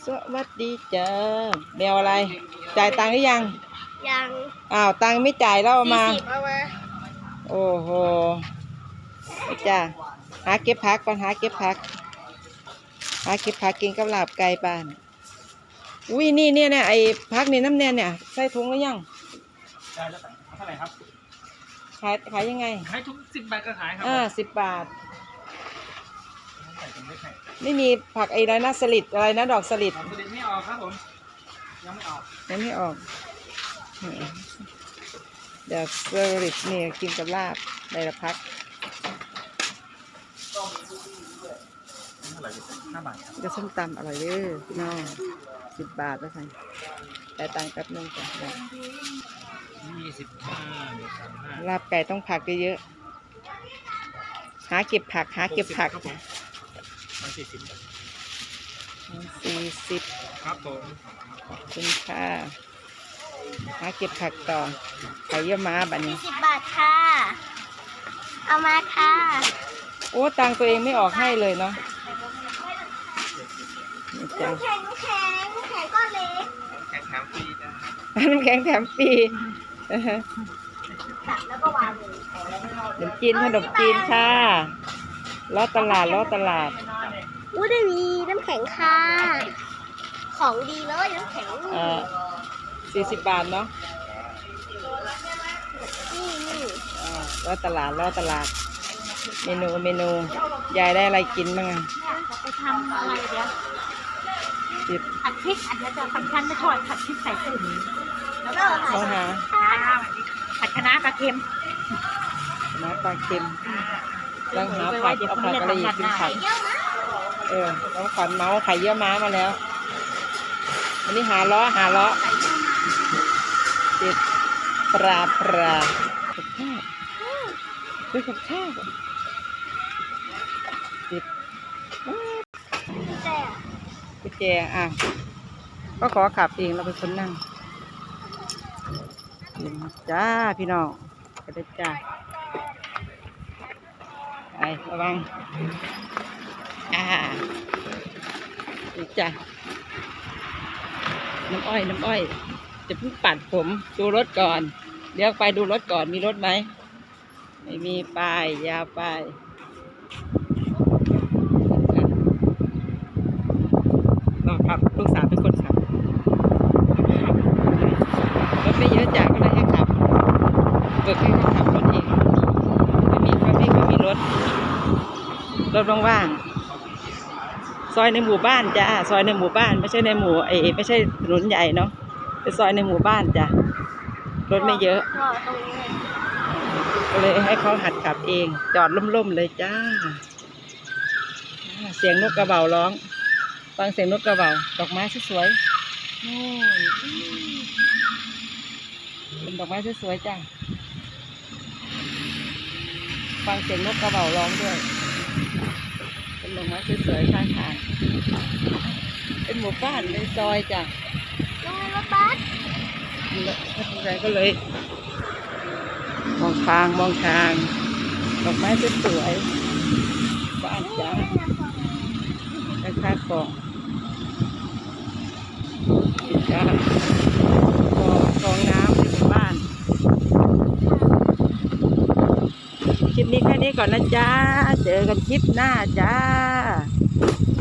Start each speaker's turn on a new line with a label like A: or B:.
A: สวัสดีจ้าแมวอะไรจ่ายตังค์หรือยัง
B: ยัง
A: อ้าวตังค์ไม่จ่ายแล้วเอามา
B: 40เอามา
A: โอ้โหจ้าหาเก็บผักก่อนหาเก็บผักกินกับลาบไก่บ้านอุ้ยนี่เนี่ยไอ้ผักนี่น้ำแน่เนี่ยใส่ถุงหรือยัง
C: ได้แล้วเท่าไหร่ครับ
A: ขายยังไง
C: ขายทุก10 บาทก็ขายครั
A: 10 บาท
C: ใส่ถุงเล็กให้
A: ไม่มีผักอะไรนะสลิดอะไรนะดอกสลิด
C: ไม่ออกครับผมยังไม่ออก
A: เดี๋ยวสลิดนี่กินกับลาบในละพัก
C: เท่าไหร่5 บาท
A: จะส้มตำอร่อยเลยพี่น้อง10 บาทแล้วใส่แต่ตังค์แป๊บนึงจ้ะ
C: 25
A: ลาบไก่ต้องผักเยอะๆหาเก็บผัก
C: ครับผม
A: 40
C: ครับผม
A: ขอบคุณค่ะหาเก็บผักต่อไข่เยี่ยวม้าแบบนี้
B: 40 บาทค่ะเอามาค่ะ
A: โอ้ตังค์ตัวเองไม่ออกให้เลยเนาะ
B: น้ำแข็งก้อนเล็ก
A: น้ำแข็งแถมฟรี
B: ตัดแล้วก็วางเลย
A: ขนมจีนค่ะล้อตลาด
B: ได้มีน้ำแข็งค่ะของดีเลยน้ำแข็ง
A: 40 บาทเนาะ
B: นี่
A: ล้อตลาดเมนูยายได้อะไรกินบ้าง
B: ไปทำอะไรเดี๋ยวผัดพริกอันนี้จะสำคัญไม่ถอดผัดพริกใส่ถุงแล้วก็ผัดคะน้าปลาเค็ม
A: น้ำลังหาผักเอาผักอะไรอีกกินผักน้องขวัญเมาไข่เยี่ยวม้ามาแล้ววันนี้หาล้อติดปลากับข้าวติดกุญแจก็ขอขับเองเราเป็นคนนั่งจ้าพี่น้องไปเลยจ้าไประวังนี่จ้าน้ำอ้อยจะเพิ่งปัดผมดูรถก่อนเดี๋ยวไปดูรถก่อนมีรถไหมไม่มีป้ายยาวป้ายเราขับลูกสาวเป็นคนขับรถไม่เยอะจ้ะก็เลยให้ขับเบิกให้เขาขับรถเองไม่มีรถว่างๆซอยในหมู่บ้านจ้ะซอยในหมู่บ้านไม่ใช่ในหมู่ไม่ใช่ถนนใหญ่เนาะเป็นซอยในหมู่บ้านจ้ะรถไม่เยอะก็เลยให้เขาหัดขับเองจอดล่มๆเลยจ้าเสียงนกกระเบาร้องฟังเสียงนกกระเบาดอกไม้สวยๆโอ้เป็นดอกไม้สวยๆจ้าฟังเสียงนกกระเบาร้องด้วยเป็นดอกไม้สวยๆข้างทางเป็นหมู่บ้านเป็นซอยจ้ะ
B: รถบัส
A: อะไรก็เลยมองทางดอกไม้สวยๆบ้านจ้าข้างๆกองจ้ากองน้ำในหมู่บ้านคลิปนี้แค่นี้ก่อนนะจ้าเจอกันคลิปหน้าจ้า